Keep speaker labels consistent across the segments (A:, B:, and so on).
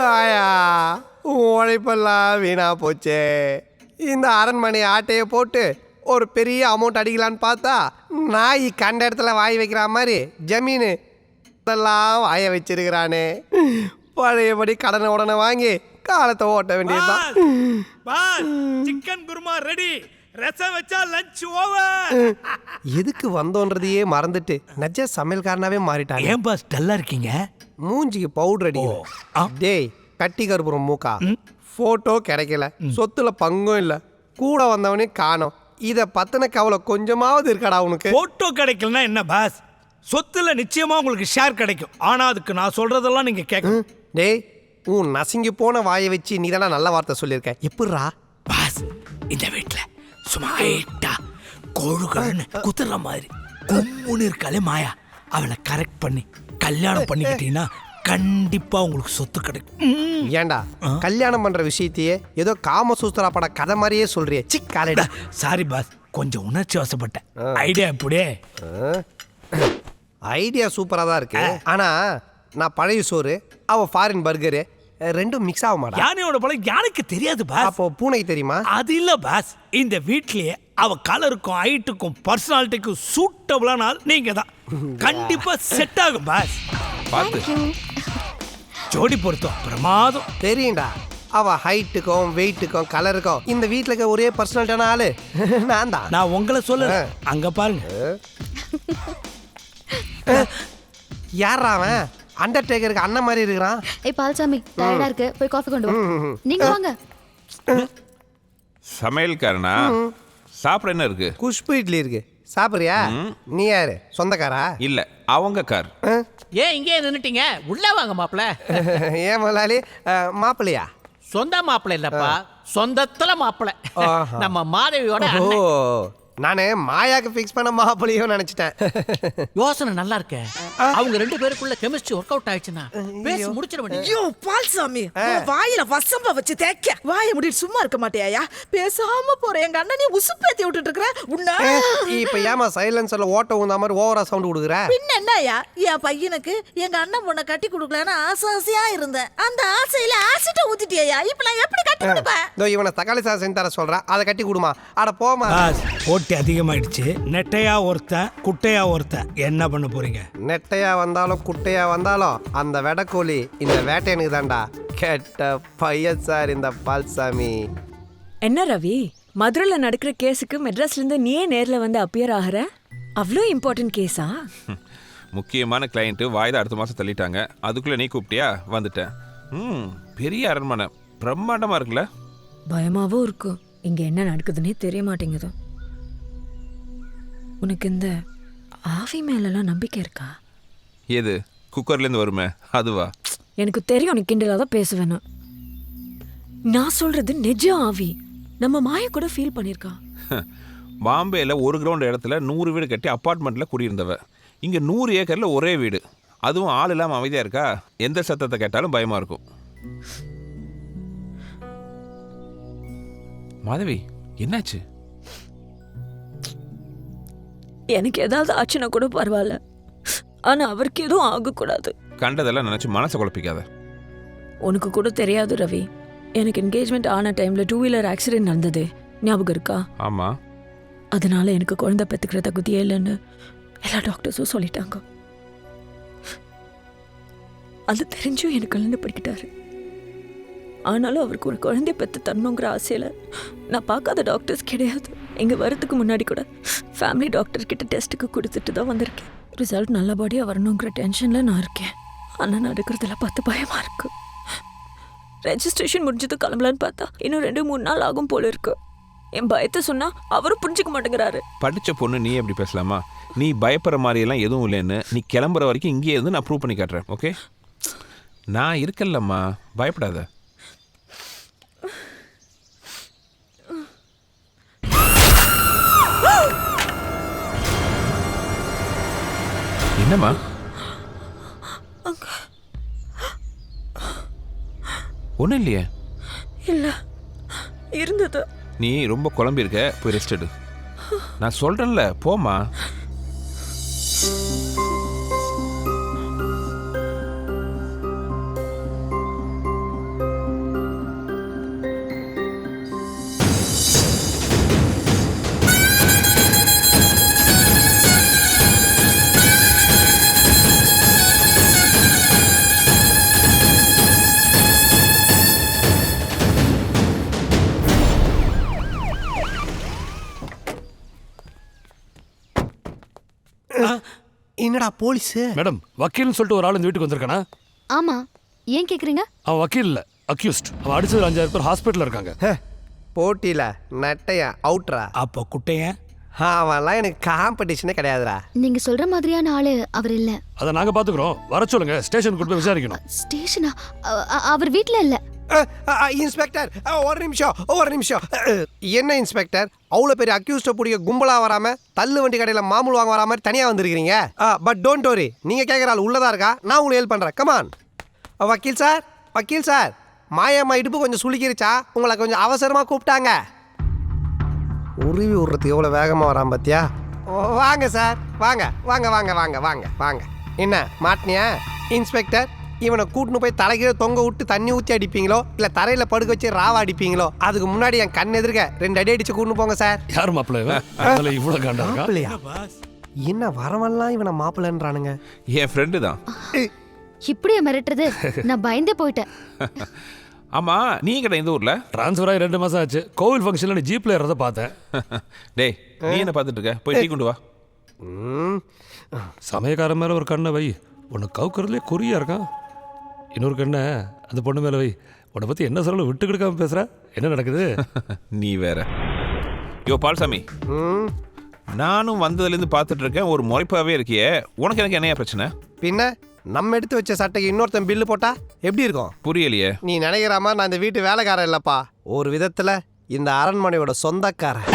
A: ஆயா உழைப்பெல்லாம் வீணா போச்சே. இந்த அரண்மனை ஆட்டையை போட்டு ஒரு பெரிய அமௌண்ட் அடிக்கலான்னு பார்த்தா நாய் கண்ட இடத்துல வாய் வைக்கிற மாதிரி ஜமீனு இதெல்லாம் வாய வச்சிருக்கிறானே. பழையபடி கடனை உடனே வாங்கி காலத்தை ஓட்ட வேண்டியதுதான்.
B: சிக்கன் குருமா ரெடி, ரசம் வச்சா லஞ்ச் ஓவர்.
A: எதுக்கு வந்தோன்றதையே மறந்துட்டு நஜ சமையல்காரனாவே மாறிட்டாங்க.
B: ஏன் பாஸ் டல்லா இருக்கீங்க?
A: மூஞ்சிக்கு பவுடர் அடிக்கல. டேய் கட்டி கருப்புறம் மூக்கா, போட்டோ கிடைக்கல, சொத்துல பங்கும் இல்ல, கூட வந்தவனே காணோம். இத பத்தின கவலை கொஞ்சமாவது இருக்காடா உனக்கு?
B: போட்டோ கிடைக்கலன்னா என்ன பாஸ், சொத்துல நிச்சயமா உங்களுக்கு ஷேர் கிடைக்கும். ஆனா அதுக்கு நான் சொல்றதெல்லாம் நீங்க கேட்கணும்.
A: டேய் உன் நசுங்கி போன வாயை வச்சு நீ தானே நல்ல வார்த்தை சொல்லியிருக்க. எப்படிரா
B: பாஸ் இந்த வீட்டுல சும்மா ஹைட்டா கோழுகள்னு குத்துற மாதிரி கும்முன்னு இருக்காளே மாயா, அவளை கரெக்ட் பண்ணி கல்யாணம் பண்ணிக்கிட்டீங்கன்னா கண்டிப்பா உங்களுக்கு சொத்து கிடைக்கும்.
A: ஏண்டா கல்யாணம் பண்ற விஷயத்தையே ஏதோ காமசூத்திரா பட கதை மாதிரியே சொல்றியே. சிக்காலேடா.
B: சாரி பாஸ், கொஞ்சம் உணர்ச்சி வசப்பட்டேன். ஐடியா எப்படியே?
A: ஐடியா சூப்பரா தான் இருக்கு. ஆனா நான் பழைய சோறு, அவ ஃபாரின் பர்கரு, ரெண்டும் மிக்ஸ் ஆக மாட்டா.
B: யானையோட பழம் யானைக்கு தெரியாது பாஸ்.
A: அப்போ பூனைக்கு தெரியுமா?
B: அது இல்ல பாஸ், இந்த வீட்லயே அவ கலருக்கும் ஹைட்டுக்கும் பர்சனாலிட்டிக்கும் சூட்டபிளான ஆள் நீங்க தான். கண்டிப்பா செட் ஆகும் பாஸ்.
C: பார்த்து
B: ஜோடி பொருத்தம் பிரமாதம்.
A: தெரியும்டா, அவ ஹைட்டுக்கும் வெயிட்டுக்கும் கலருக்கும் இந்த வீட்டில் இருக்க ஒரே பர்சனாலிட்டியான ஆளு நான் தான்.
B: நான் உங்களை சொல்ல அங்க பாருங்க.
A: யாரா அவன்? அண்டர்டேக்கருக்கு அண்ணன் மாதிரி இருக்கிறான்.
D: ஏய் பால்சாமி, டயர்டா இருக்கு, போய் காஃபி கொண்டு வா. நீங்க வாங்க.
C: சமையல்காரனா? சாப்பிட என்ன இருக்கு?
A: குஷ்பு இட்லி இருக்கு, சாப்பிடுறியா? நீ யாரு, சொந்தக்காரா?
C: இல்ல, அவங்க கார்.
E: ஏன் இங்கே நின்னுட்டீங்க? உள்ள வாங்க மாப்பிள்ள.
A: ஏன் முதலாளி மாப்பிள்ளையா?
E: சொந்த மாப்பிள்ள இல்லப்பா, சொந்தத்துல மாப்பிள்ள. நம்ம மாதவியோட
A: ஓ,
E: அண்ணன்.
A: நானே மாயாக்கு ஃபிக்ஸ் பண்ண மாப்பிள்ளையோ நினைச்சிட்டேன்.
E: யோசனை நல்லா இருக்க. அவங்க ரெண்டு பேருக்குள்ள கெமிஸ்ட்ரி ஒர்க் அவுட் ஆயிடுச்சுன்னா பேசி முடிச்சிட வேண்டியது.
F: ஐயோ பால்சாமி, வாயில வசம்ப வச்சு தேக்க வாயை முடிட்டு சும்மா இருக்க மாட்டியாயா? பேசாம போற எங்க அண்ணனே உசுப்பேத்தி விட்டுட்டு இருக்கற உன்ன.
A: இப்ப ஏமா சைலன்சர்ல ஓட்ட ஊந்த மாதிரி ஓவரா சவுண்ட் கொடுக்குற?
F: பின்ன என்னயா, என் பையனுக்கு எங்க அண்ணன் பொண்ணை கட்டி கொடுக்கலான்னு ஆசையா இருந்தேன். அந்த ஆசையில ஆசிட்ட ஊத்திட்டியா? இப்ப நான் எப்படி கட்டி கொடுப்பேன்?
A: இதோ இவனை தக்காளி சாதம் செஞ்சு தர சொல்றேன், அதை கட்டி கொடுமா. அட போமா.
B: போட்டி அதிகமாயிடுச்சு. நெட்டையா ஒருத்தன் குட்டையா ஒருத்தன், என்ன பண்ண போறீங்க?
A: நெட்டையா வந்தாலும் குட்டையா வந்தாலும் அந்த வெடக்கோழி இந்த வேட்டையனுக்கு தான்டா. கெட்ட பையன் சார் இந்த பால்சாமி.
G: என்ன ரவி, மதுரையில் நடக்கிற கேஸுக்கு மெட்ராஸ்ல இருந்து நீயே நேர்ல வந்து அப்பியர் ஆகிற? அவ்வளோ இம்பார்ட்டன்ட் கேஸா?
C: முக்கியமான கிளையண்ட் வாய்தா அடுத்த மாசம் தள்ளிட்டாங்க. அதுக்குள்ள நீ கூப்பிட்டியா? வந்துட்டேன். பெரிய அரண்மனை பிரம்மாண்டமா இருக்குல்ல?
G: பயமாவும் இருக்கும். இங்க என்ன நடக்குதுன்னே தெரிய மாட்டேங்குது. உனக்கு இந்த ஆவி மேலெல்லாம் நம்பிக்கை இருக்கா?
C: எது குக்கர்லேருந்து வருமே அதுவா?
G: எனக்கு தெரியும், நீ கிண்டலாக தான் பேசுவேன்னு. நான் சொல்றது நிஜ ஆவி. நம்ம மாய கூட ஃபீல் பண்ணியிருக்கா.
C: பாம்பேல 1 கிரவுண்ட் இடத்துல 100 வீடு கட்டி அப்பார்ட்மெண்ட்டில் குடியிருந்தவ. இங்கே 100 ஏக்கரில் ஒரே வீடு, அதுவும் ஆள் இல்லாமல் அமைதியாக இருக்கா. எந்த சத்தத்தை கேட்டாலும் பயமாக இருக்கும். மாதவி என்னாச்சு?
G: எனக்கு ஏதாவது ஆச்சுன்னா கூட பரவாயில்ல, ஆனா அவருக்கு எதுவும் ஆகக்கூடாது.
C: கண்டதெல்லாம் நினச்சி மனசை குழப்பிக்காத.
G: உனக்கு கூட தெரியாது ரவி, எனக்கு என்கேஜ்மெண்ட் ஆன டைம்ல 2 வீலர் ஆக்சிடென்ட் நடந்தது, ஞாபகம் இருக்கா?
C: ஆமாம்.
G: அதனால எனக்கு குழந்தை பெற்றுக்கிற தகுதியே இல்லைன்னு எல்லா டாக்டர்ஸும் சொல்லிட்டாங்க. அது தெரிஞ்சும் எனக்கு கல்யாணம் படிக்கிட்டாரு. ஆனாலும் அவருக்கு ஒரு குழந்தைய பெற்று தரணுங்கிற ஆசையில் நான் பார்க்காத டாக்டர்ஸ் கிடையாது. இங்கே வரதுக்கு முன்னாடி கூட ஃபேமிலி டாக்டர் கிட்ட டெஸ்ட்டுக்கு கொடுத்துட்டு தான் வந்திருக்கேன். ரிசல்ட் நல்லபடியாக வரணுங்கிற டென்ஷனில் நான் இருக்கேன். ஆனால் நடக்கிறதுல பார்த்து பயமாக இருக்கு. ரெஜிஸ்ட்ரேஷன் முடிஞ்சது கிளம்பலான்னு பார்த்தா இன்னும் 2-3 நாள் ஆகும் போல இருக்கு. என் பயத்தை சொன்னா அவரும் புரிஞ்சுக்க மாட்டேங்கிறாரு.
C: படித்த பொண்ணு நீ எப்படி பேசலாமா? நீ பயப்படுற மாதிரியெல்லாம் எதுவும் இல்லைன்னு நீ கிளம்புற வரைக்கும் இங்கேயே இருந்து நான் ப்ரூவ் பண்ணி காட்டுறேன். ஓகே, நான் இருக்கல்லம்மா, பயப்படாத. என்னம்மா? ஒன்றும் இல்லையே.
G: இல்லை, இருந்தது.
C: நீ ரொம்ப குழம்பி இருக்க, போய் ரெஸ்ட் எடு. நான் சொல்கிறேன்ல, போம்மா.
A: என்னடா போலீஸு?
H: மேடம் வக்கீல்னு சொல்லிட்டு ஒரு ஆள் இந்த வீட்டுக்கு வந்திருக்கானா?
D: ஆமா, ஏன் கேக்குறீங்க?
H: அவன் வக்கீல் இல்ல, அக்யூஸ்ட். அவன் அடிச்சது 5000 பேர் ஹாஸ்பிட்டல்ல இருக்காங்க.
A: போட்டியில நட்டையா அவுட்ரா.
B: அப்போ குட்டையன்
A: அவன்லாம் எனக்கு காம்படிஷனே கிடையாதுடா.
D: நீங்க சொல்ற மாதிரியான ஆளு அவர் இல்ல.
H: அதை நாங்க பாத்துக்கிறோம். வர சொல்லுங்க, ஸ்டேஷனுக்கு கூட்டு போய் விசாரிக்கணும்.
D: ஸ்டேஷனா? அவர் வீட்ல இல்ல.
A: இன்ஸ்பெக்டர் ஒரு நிமிஷம். என்ன இன்ஸ்பெக்டர், அவ்வளோ பெரிய அக்யூஸ்ட பிடிக்க கும்பலா வராம தள்ளு வண்டி கடையில மாமூல் வாங்க வரா மாதிரி தனியா வந்திருக்கீங்க. பட் டோன்ட் வரி, நீங்க கேட்குற ஆள் உள்ளதா இருக்கா, நான் உங்களுக்கு ஹெல்ப் பண்றேன். கமான். வக்கீல் சார், மாயம்மா இடுப்பு கொஞ்சம் சுளிக்கிருச்சா, உங்களை கொஞ்சம் அவசரமா கூப்பிட்டாங்க. உருவி விடுறதுக்கு எவ்வளோ வேகமாக வரான் பார்த்தியா? வாங்க சார், வாங்க. என்ன மாட்டினியா இன்ஸ்பெக்டர்? இவனை கூட்டின்னு போய் தலைகீழ தொங்க விட்டு தண்ணி ஊற்றி அடிப்பீங்களோ இல்லை தரையில் படுக்க வச்சு ராவா அடிப்பீங்களோ? அதுக்கு முன்னாடி என் கண் எதிர்க்க 2 அடி அடிச்சு கூட்டின்னு போங்க சார்.
H: யார் மாப்பிள்ளை இவன்? அதுல இவ்வளவு காண்டா இருக்கா?
A: மாப்பிள்ளையா? என்ன வரவெல்லாம் இவனை மாப்பிள்ளைன்றானுங்க?
C: என் ஃப்ரெண்டு தான்.
D: இப்படியே மிரட்டுறது? நான் பயந்தே போயிட்டேன்.
C: ஆமா, நீ கடை இந்த ஊர்ல?
H: டிரான்ஸ்ஃபர் ஆகி 2 மாசம் ஆச்சு. கோவில் ஃபங்க்ஷன்ல நீ ஜீப்ல ஏறத பார்த்தேன்.
C: டேய், நீ என்ன பார்த்துட்டு இருக்க? போய் டீ கொண்டு வா.
H: சமயக்காரன் மேல ஒரு கண்ணை வை. உன்னை கவுக்கிறதுலே குறியா இருக்கான். இன்னொரு கண்ணை அந்த பொண்ணு மேல வை. உன்னை பத்தி என்ன சொல்ல விட்டு கொடுக்காம பேசுற? என்ன நடக்குது?
C: நீ வேற. யோ பால்சாமி, நானும் வந்ததுலேருந்து பார்த்துட்டு இருக்கேன், ஒரு முறைப்பாவே இருக்கியே. உனக்கு எனக்கு என்னையா பிரச்சனை?
A: பின்ன நம்ம எடுத்து வச்ச சட்டைக்கு இன்னொருத்தன் பில்லு போட்டா எப்படி இருக்கும்?
C: புரியலையே.
A: நீ நினைக்கிற மாதிரி நான் இந்த வீட்டு வேலைக்காரன் இல்லப்பா. ஒரு விதத்துல இந்த அரண்மனையோட சொந்தக்காரன்.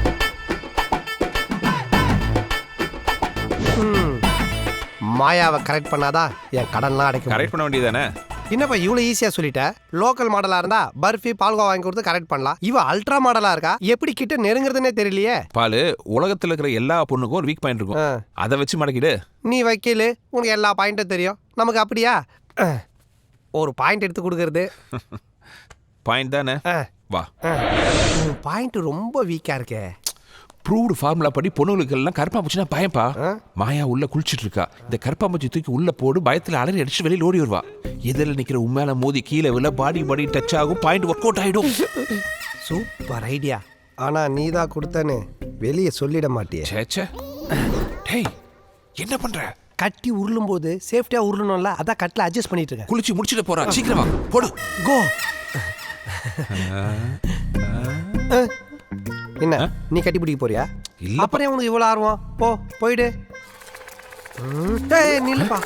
A: மாயாவை கரெக்ட் பண்ணாதான் என் கடன்லாம் அடைக்கும்.
C: கரெக்ட் பண்ண வேண்டியதானே?
A: என்னப்பா இவ்வளோ ஈஸியாக சொல்லிட்ட? லோக்கல் மாடலாக இருந்தா பர்ஃபி பால்கோவா வாங்கி கொடுத்து கரெக்ட் பண்ணலாம். இவ அல்ட்ரா மாடலாக இருக்கா, எப்படி கிட்ட நெருங்குறதுனே தெரியலையே.
C: பாலு, உலகத்தில் இருக்கிற எல்லா பொண்ணுக்கும் ஒரு வீக் பாயிண்ட் இருக்கும். அதை வச்சு மடக்கிடு.
A: நீ வக்கீல், உனக்கு எல்லா பாயிண்ட்டும் தெரியும். நமக்கு அப்படியா? ஒரு பாயிண்ட் எடுத்து கொடுக்கறது
C: பாயிண்ட் தானே? வா.
A: பாயிண்ட் ரொம்ப வீக்காக இருக்கே.
C: ப்ரூவ்டு ஃபார்முலா படி பொண்ணுங்களுக்கு எல்லாம் கருப்பாம்பூச்சினா பயம்பா. மாயா உள்ள குளிச்சுட்டு இருக்கா. இந்த கருப்பாம்பூச்சி தூக்கி உள்ள போடு, பயத்தில் அலறி அடிச்சு வெளியில் ஓடி வருவா. எதில் நிற்கிற உண்மையில மோதி கீழே விழ பாடி டச் ஆகும், பாயிண்ட் ஒர்க் அவுட் ஆகிடும்.
A: Super idea. ஆனால் நீ தான் கொடுத்தேன்னு வெளியே சொல்லிட மாட்டியே.
C: சேச்சே. டேய், என்ன பண்ற?
A: கட்டி உருளும் போது சேஃப்டியாக உருளணும்ல, அதான் கட்டில் அட்ஜஸ்ட் பண்ணிட்டு இருக்கேன்.
C: குளிச்சு முடிச்சுட்டு போறா, சீக்கிரமா போடு.
A: கோ. என்ன நீ கட்டி பிடிக்க போறியா?
C: இல்ல.
A: அப்புறம் உனக்கு இவ்வளோ ஆர்வம்? போயிடு. நில்லுப்பா.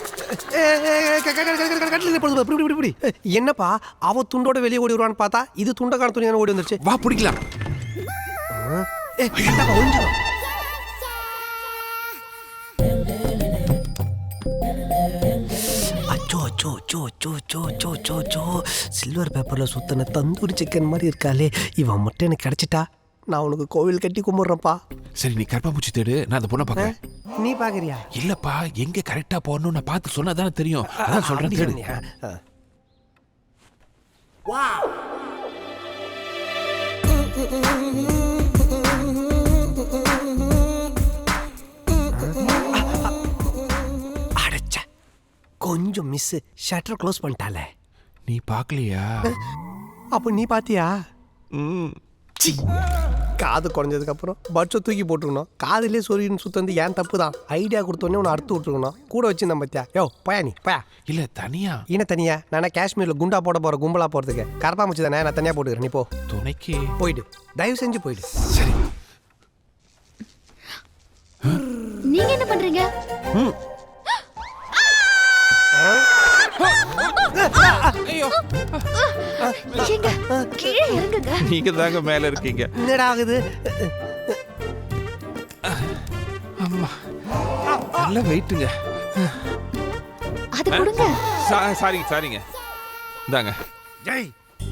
A: என்னப்பா அவ துண்டோட வெளியே ஓடி வருவான்னு பார்த்தா இது துண்டக்கான துணி ஓடி வந்துருச்சு.
C: வா பிடிக்கலாம். சில்வர் பேப்பர்ல சுத்தன தந்தூரி சிக்கன் மாதிரி இருக்காளே, இவன் மட்டும் எனக்கு கிடைச்சிட்டா நான் உனக்கு கோவில் கட்டி கும்பிடுறேன்ப்பா. சரி, நீ கருப்பாம்பூச்சி தேடு, நான் அந்த பொண்ணை பார்க்கறேன்.
A: நீ பாக்குறியா?
C: இல்லப்பா, எங்க கரெக்டா போறணும் நான் பார்த்து சொன்னா தானே தெரியும். அதான் சொல்றேன், தேடு. அடச்ச, கொஞ்சம் மிஸ். Shutter close பண்ணிட்டாலே. நீ பார்க்கலையா?
A: அப்போ நீ பாத்தியா? காது குறைஞ்சதுக்கு அப்புறம் பட்சை தூக்கி போட்டுருக்கணும். காதுலேயே சொருகின்னு சுத்தந்து ஏன் தப்பு தான். ஐடியா கொடுத்தோடனே உன்னை அறுத்து விட்டுருக்கணும். கூட வச்சுருந்தேன் பத்தியா? யோ பயா நீ பயா.
C: இல்ல தனியா.
A: என்ன தனியா? நானே காஷ்மீரில் குண்டா போட போகிற கும்பலா போகிறதுக்கு கரப்பாம்பூச்சி தானே, நான் தனியாக போட்டுக்கிறேன். நீ போ.
C: துணைக்கு
A: போயிடு, தயவு செஞ்சு போயிடு.
C: சரி.
D: நீங்க என்ன பண்றீங்க? ஏங்க, கீழே இறங்குங்க.
C: நீங்க தாங்க மேல இருக்கீங்க.
A: என்னடா ஆகுது?
C: அம்மா, நல்ல வெயிட்டுங்க.
D: அது கொடுங்க.
C: சாரிங்க. இந்தாங்க.
A: ஜெய்.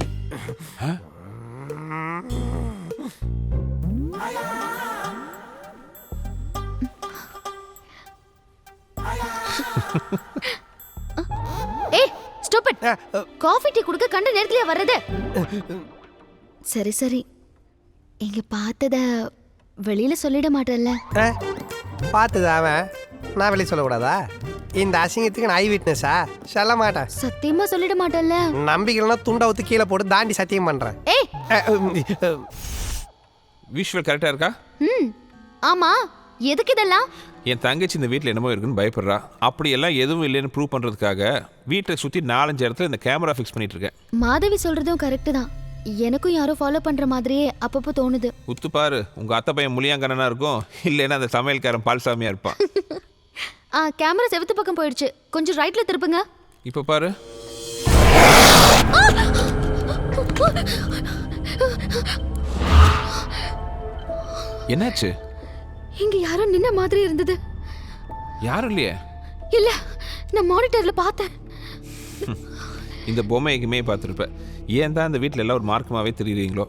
D: ஏய், ஸ்டாப் இட். காஃபி டீ குடுக்க கண்ட நேரத்துலயே வர்றது? சரி, இங்க பார்த்தத வெளியில சொல்லிட மாட்டேன்ல?
A: பார்த்தது அவன், நான் வெளியே சொல்லக்கூடாதா? இந்த அசிங்கத்துக்கு நான் ஐ விட்னஸா? சொல்ல மாட்டேன்.
D: சத்தியமா சொல்லிட மாட்டேன்ல?
A: நம்பிக்கைனா துண்டை ஊற்றி கீழே போட்டு தாண்டி சத்தியம் பண்ணுறேன்.
D: ஏய்,
C: விஷுவல் கரெக்டா இருக்கா?
D: ஆமா. எதுக்கு இதெல்லாம்?
C: என் தங்கச்சி இந்த வீட்டில் என்னமோ இருக்குன்னு பயப்படுறா. அப்படியெல்லாம் எதுவும் இல்லைன்னு ப்ரூவ் பண்ணுறதுக்காக வீட்டை சுற்றி 4-5 இடத்துல இந்த கேமரா ஃபிக்ஸ் பண்ணிட்டு இருக்கேன்.
D: மாதவி சொல்றதும் கரெக்ட் தான். எனக்கும் யாரோ ஃபாலோ பண்ற மாதிரியே அப்பப்போ தோணுது.
C: உத்து பாரு, உங்கள் அத்தை பையன் முளியாங்கண்ணனா இருக்கும், இல்லைன்னா அந்த சமையல்காரன் பால்சாமியாக இருப்பான்.
D: கேமரா செவத்து பக்கம் போயிடுச்சு, கொஞ்சம் ரைட்ல திருப்புங்க.
C: இப்போ பாரு. என்னாச்சு?
D: இங்க யாரோ நின்ன மாதிரி இருந்தது.
C: யாரும் இல்லையே.
D: இல்ல, நான் மானிட்டர்ல பார்த்தேன்.
C: இந்த பொம்மைக்குமே பார்த்துருப்பேன். ஏன் தான் இந்த வீட்டில் எல்லாம் ஒரு மார்க்கமாகவே தெரியுறீங்களோ?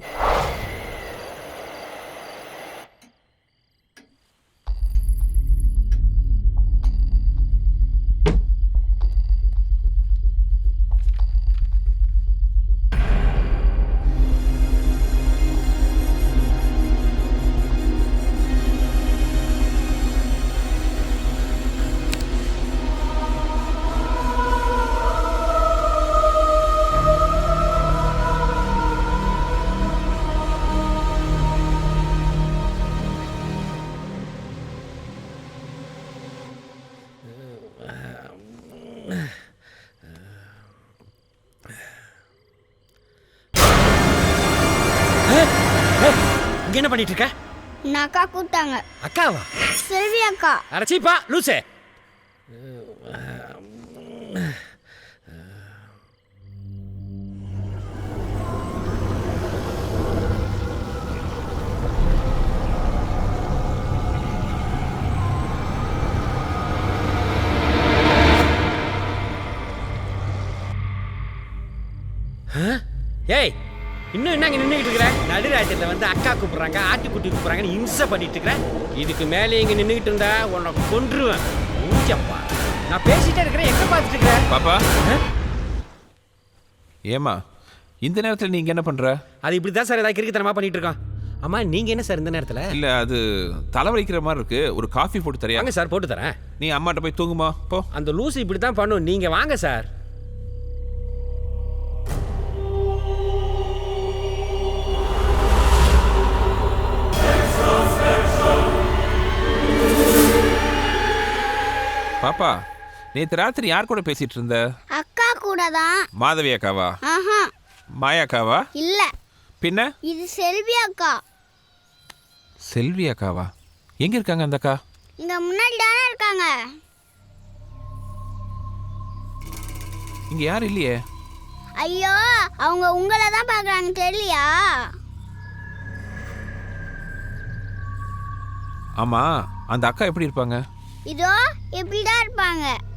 E: இங்க என்ன பண்ணிட்டு இருக்க?
I: நான் அக்கா கூப்பிட்டாங்க.
E: அக்காவா?
I: செல்வி அக்கா.
E: அடச்சிப்பா லூசே. ஏய், இன்னும் என்ன இங்கே நின்றுக்கிட்டு இருக்கிற? நடுராட்டில் வந்து அக்கா கூப்பிட்றாங்க, ஆட்டுக்குட்டி கூப்பிட்றாங்கன்னு இம்சை பண்ணிட்டு இருக்கிறேன். இதுக்கு மேலே இங்கே நின்றுக்கிட்டு இருந்தா உன்னை கொன்றுவேன். ஊஞ்சப்பா, நான் பேசிட்டே இருக்கிறேன், எங்கே பார்த்துட்டு இருக்கிறேன்?
C: பாப்பா, ஏமா இந்த நேரத்தில் நீங்கள் என்ன பண்ணுற?
E: அது இப்படி தான் சார் ஏதாவது கிறுக்குத்தனமாக பண்ணிட்டு இருக்கோம். அம்மா, நீங்கள் என்ன சார் இந்த நேரத்தில்?
C: இல்லை, அது தலைவலிக்கிற மாதிரி இருக்கு. ஒரு காஃபி போட்டு தரியா?
E: வாங்க சார், போட்டு தரேன்.
C: நீ அம்மாட்ட போய் தூங்குமா போ.
E: அந்த லூசு இப்படி தான் பண்ணும். நீங்கள் வாங்க சார்.
C: பாப்பா, நேற்று ராத்திரி யார் கூட பேசிட்டு இருந்த?
I: அக்கா கூட தான்.
C: மாதவி அக்காவா?
I: ஆஹா,
C: மாயா அக்காவா?
I: இல்ல.
C: பின்ன?
I: இது செல்வி அக்கா.
C: செல்வி அக்காவா? எங்க இருக்காங்க அந்த அக்கா?
I: இங்க முன்னாடி தானே இருக்காங்க.
C: இங்க யாரும் இல்லையே.
I: ஐயோ, அவங்க உங்களை தான் பார்க்குறாங்க, தெரியலையா?
C: ஆமா, அந்த அக்கா எப்படி இருப்பாங்க?
I: இதோ இப்படிதான் இருப்பாங்க.